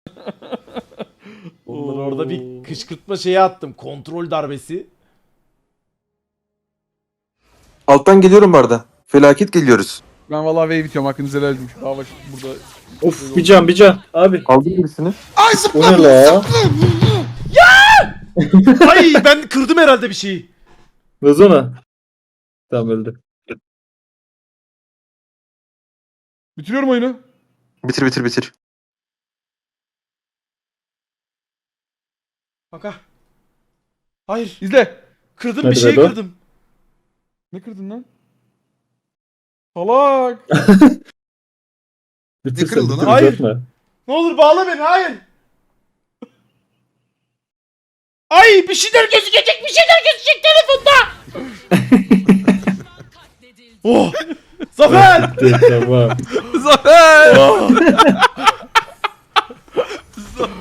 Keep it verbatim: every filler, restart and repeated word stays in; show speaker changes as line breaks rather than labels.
Onları orada bir kışkırtma şeyi attım. Kontrol darbesi.
Alttan geliyorum bu arada. Felaket geliyoruz.
Ben vallahi wave bitiyorum. Hakkınızı helal edin. Daha baş burada.
Of bir can bir can. Abi.
Aldım birisini.
Ay
O ne la?
Ay ben kırdım herhalde bir şeyi.
Lazona. Tamam öldü.
Bitiriyorum oyunu.
Bitir bitir bitir.
Baka. Hayır.
İzle.
Kırdım
Hadi
bir şeyi
Bedo.
kırdım.
Ne kırdın lan? Salak.
Bitir
kırıldı
sen
lan?
bitir
Hayır.
uzatma.
Ne olur bağla beni hayır. Ay bir şeyler gözükecek bir şeyler gözükecek telefonda. Oh. Zafer.
Bitti, tamam.
Zafer.
Oh.